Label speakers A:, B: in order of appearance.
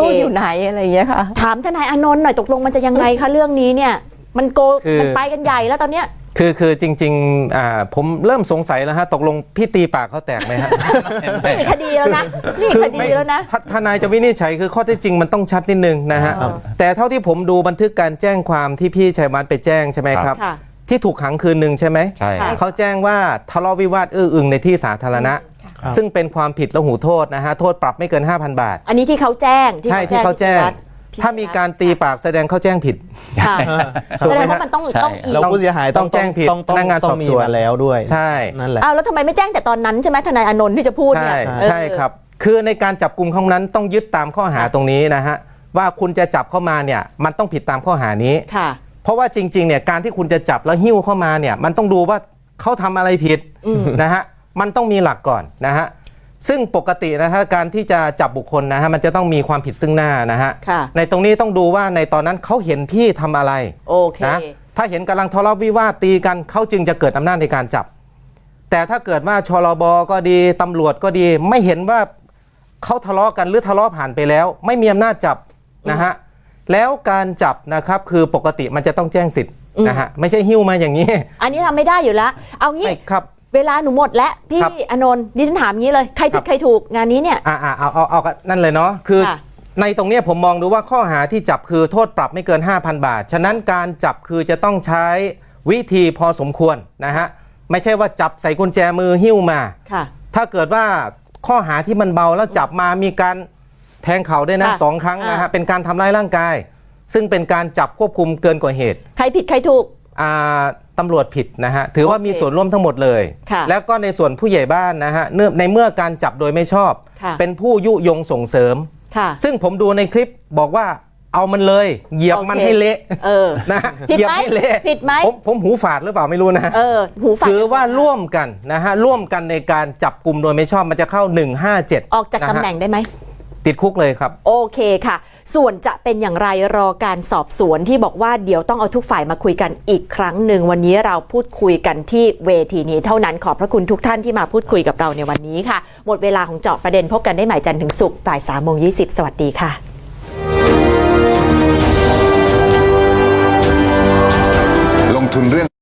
A: พูดอยู่ไหนอะไรอย่างเงี้ยค่ะ
B: ถามทนายอานนท์หน่อยตกลงมันจะยังไงคะเรื่องนี้เนี่ยมันไปกันใหญ่แล้วตอนเนี้ย
C: คือจริงๆผมเริ่มสงสัยแล้วฮะตกลงพี่ตีปากเขาแตกไหมฮะ
B: นี่คดีแล้วนะนี่คดีแล้วนะ
C: ทนายจะวินิจฉัยคือข้อเท็จจริงมันต้องชัดนิดนึงนะฮะแต่เท่าที่ผมดูบันทึกการแจ้งความที่พี่ชัยวัฒน์ไปแจ้งใช่ไหมครับที่ถูกขังคืนหนึ่งใช่ไหม
D: ใช่
C: เขาแจ้งว่าทะเลาะวิวาทอื้ออึงในที่สาธารณะซึ่งเป็นความผิดและหูโทษนะฮะโทษปรับไม่เกิน 5,000 บาท
B: อันนี้ที่เขาแจ้ง
C: ใช่ที่เขาแจ้งถ้ามีการตีปากแสดงเขาแจ้งผิด
B: แสดงว่ามันต้อง
D: เราผู้เสียหาย
C: ต้องแจ้งผิดพนักงานสอบสวน
D: แล้วด้วย
C: ใช่
D: นั่นแหละ
B: แล้วทำไมไม่แจ้งแต่ตอนนั้นใช่ไหมทนายอานนท์ที่จะพูดเนี่ย
C: ใช่ครับคือในการจับกลุ่มครั้งนั้นต้องยึดตามข้อหาตรงนี้นะฮะว่าคุณจะจับเข้ามาเนี่ยมันต้องผิดตามข้อหานี้เพราะว่าจริงๆเนี่ยการที่คุณจะจับแล้วหิ้วเข้ามาเนี่ยมันต้องดูว่าเขาทำอะไรผิดนะฮะมันต้องมีหลักก่อนนะฮะซึ่งปกตินะฮะการที่จะจับบุคคลนะฮะมันจะต้องมีความผิดซึ่งหน้านะฮะในตรงนี้ต้องดูว่าในตอนนั้นเขาเห็นพี่ทำอะไรนะถ้าเห็นกำลังทะเลาะวิวาทตีกันเขาจึงจะเกิดอำนาจในการจับแต่ถ้าเกิดว่าชลบก็ดีตำรวจก็ดีไม่เห็นว่าเขาทะเลาะกันหรือทะเลาะผ่านไปแล้วไม่มีอำนาจจับนะฮะแล้วการจับนะครับคือปกติมันจะต้องแจ้งสิทธิ์นะฮะไม่ใช่หิ้วมาอย่างนี้
B: อันนี้ทำไม่ได้อยู่แล้วเอางี้
C: ครับ
B: เวลาหนูหมดแล้วพี่อานนท์ดิฉันถามงี้เลยใครผิดใครถูกงานนี้เนี่ย
C: เอานั่นเลยเนาะคือในตรงนี้ผมมองดูว่าข้อหาที่จับคือโทษปรับไม่เกิน 5,000 บาทฉะนั้นการจับคือจะต้องใช้วิธีพอสมควรนะฮะไม่ใช่ว่าจับใส่กุญแจมือหิ้วมาถ้าเกิดว่าข้อหาที่มันเบาแล้วจับมามีการแทงเข่าด้วยนะ2 ครั้งนะฮะเป็นการทำร้ายร่างกายซึ่งเป็นการจับควบคุมเกินกว่าเหตุ
B: ใครผิดใครถูก
C: ตำรวจผิดนะฮะถือว่ามีส่วนร่วมทั้งหมดเลยแล้วก็ในส่วนผู้ใหญ่บ้านนะฮะในเมื่อการจับโดยไม่ชอบเป็นผู้ยุยงส่งเสริมซึ่งผมดูในคลิปบอกว่าเอามันเลยเหยียบมันให้เละนะ
B: เหยียบให้เละผิดไหม
C: ผมหูฝาดหรือเปล่าไม่รู้นะ
B: หูฝาด
C: ถือว่าร่วมกันนะฮะร่วมกันในการจับกลุ่มโดยไม่ชอบมันจะเข้า157
B: ออกจากตำแหน่งได้ไหม
C: ติดคุกเลยครับ
B: โอเคค่ะส่วนจะเป็นอย่างไรรอการสอบสวนที่บอกว่าเดี๋ยวต้องเอาทุกฝ่ายมาคุยกันอีกครั้งหนึ่งวันนี้เราพูดคุยกันที่เวทีนี้เท่านั้นขอบพระคุณทุกท่านที่มาพูดคุยกับเราในวันนี้ค่ะหมดเวลาของเจาะประเด็นพบกันได้ใหม่จันทร์ถึงศุกร์บ่าย 3:20 สวัสดีค่ะ
E: ลงทุนเรื่อง